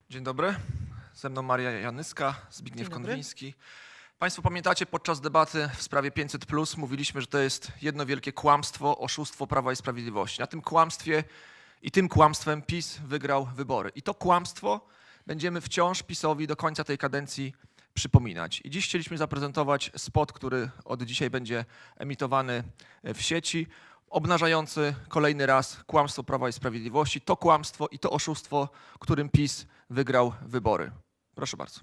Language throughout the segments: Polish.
Dzień dobry, ze mną Maria Janyska, Zbigniew Konwiński. Państwo pamiętacie, podczas debaty w sprawie 500+ mówiliśmy, że to jest jedno wielkie kłamstwo, oszustwo Prawa i Sprawiedliwości. Na tym kłamstwie i tym kłamstwem PiS wygrał wybory. I to kłamstwo będziemy wciąż PiS-owi do końca tej kadencji przypominać. I dziś chcieliśmy zaprezentować spot, który od dzisiaj będzie emitowany w sieci, obnażający kolejny raz kłamstwo Prawa i Sprawiedliwości, to kłamstwo i to oszustwo, którym PiS wygrał wybory. Proszę bardzo.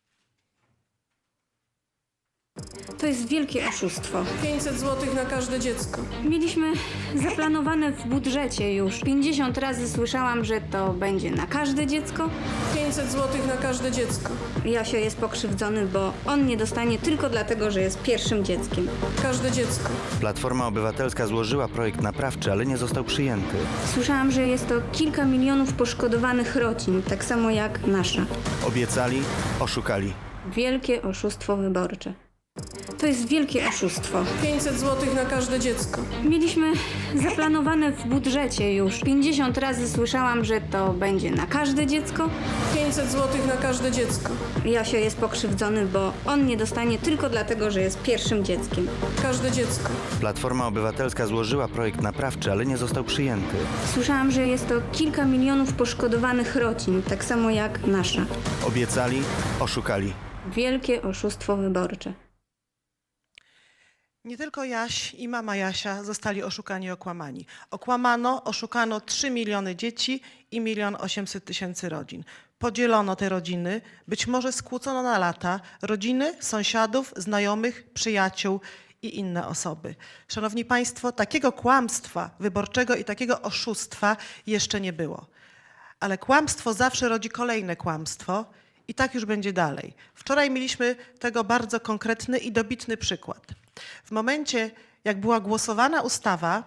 To jest wielkie oszustwo. 500 zł na każde dziecko. Mieliśmy zaplanowane w budżecie już. 50 razy słyszałam, że to będzie na każde dziecko. 500 zł na każde dziecko. Jasio jest pokrzywdzony, bo on nie dostanie tylko dlatego, że jest pierwszym dzieckiem. Każde dziecko. Platforma Obywatelska złożyła projekt naprawczy, ale nie został przyjęty. Słyszałam, że jest to kilka milionów poszkodowanych rodzin, tak samo jak nasza. Obiecali, oszukali. Wielkie oszustwo wyborcze. To jest wielkie oszustwo. 500 zł na każde dziecko. Mieliśmy zaplanowane w budżecie już. 50 razy słyszałam, że to będzie na każde dziecko. 500 zł na każde dziecko. Jasio jest pokrzywdzony, bo on nie dostanie tylko dlatego, że jest pierwszym dzieckiem. Każde dziecko. Platforma Obywatelska złożyła projekt naprawczy, ale nie został przyjęty. Słyszałam, że jest to kilka milionów poszkodowanych rodzin, tak samo jak nasza. Obiecali, oszukali. Wielkie oszustwo wyborcze. Nie tylko Jaś i mama Jasia zostali oszukani i okłamani. Oszukano 3 miliony dzieci i 1 800 000 rodzin. Podzielono te rodziny, być może skłócono na lata rodziny, sąsiadów, znajomych, przyjaciół i inne osoby. Szanowni Państwo, takiego kłamstwa wyborczego i takiego oszustwa jeszcze nie było. Ale kłamstwo zawsze rodzi kolejne kłamstwo i tak już będzie dalej. Wczoraj mieliśmy tego bardzo konkretny i dobitny przykład. W momencie, jak była głosowana ustawa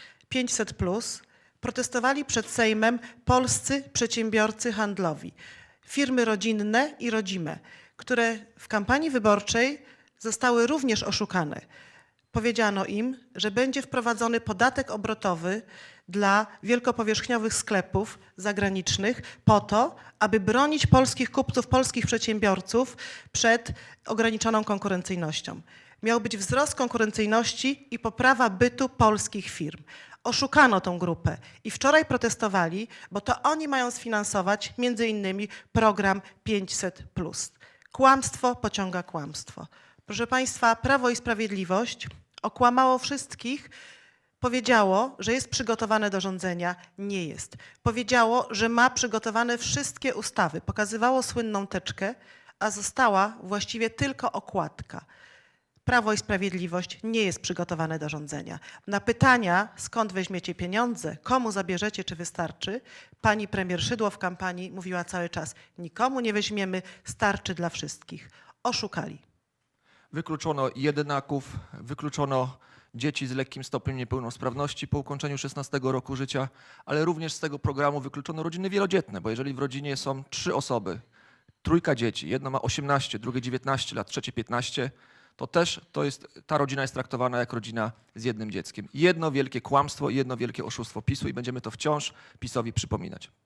500+, protestowali przed Sejmem polscy przedsiębiorcy handlowi, firmy rodzinne i rodzime, które w kampanii wyborczej zostały również oszukane. Powiedziano im, że będzie wprowadzony podatek obrotowy dla wielkopowierzchniowych sklepów zagranicznych po to, aby bronić polskich kupców, polskich przedsiębiorców przed ograniczoną konkurencyjnością. Miał być wzrost konkurencyjności i poprawa bytu polskich firm. Oszukano tą grupę i wczoraj protestowali, bo to oni mają sfinansować między innymi program 500+. Kłamstwo pociąga kłamstwo. Proszę Państwa, Prawo i Sprawiedliwość okłamało wszystkich, powiedziało, że jest przygotowane do rządzenia. Nie jest. Powiedziało, że ma przygotowane wszystkie ustawy. Pokazywało słynną teczkę, a została właściwie tylko okładka. Prawo i Sprawiedliwość nie jest przygotowane do rządzenia. Na pytania, skąd weźmiecie pieniądze, komu zabierzecie, czy wystarczy, pani premier Szydło w kampanii mówiła cały czas: nikomu nie weźmiemy, starczy dla wszystkich. Oszukali. Wykluczono jedynaków, wykluczono dzieci z lekkim stopniem niepełnosprawności po ukończeniu 16 roku życia, ale również z tego programu wykluczono rodziny wielodzietne, bo jeżeli w rodzinie są 3 osoby, trójka dzieci, jedno ma 18, drugie 19 lat, trzecie 15, to też ta rodzina jest traktowana jak rodzina z jednym dzieckiem. Jedno wielkie kłamstwo, jedno wielkie oszustwo PiS-u i będziemy to wciąż PiS-owi przypominać.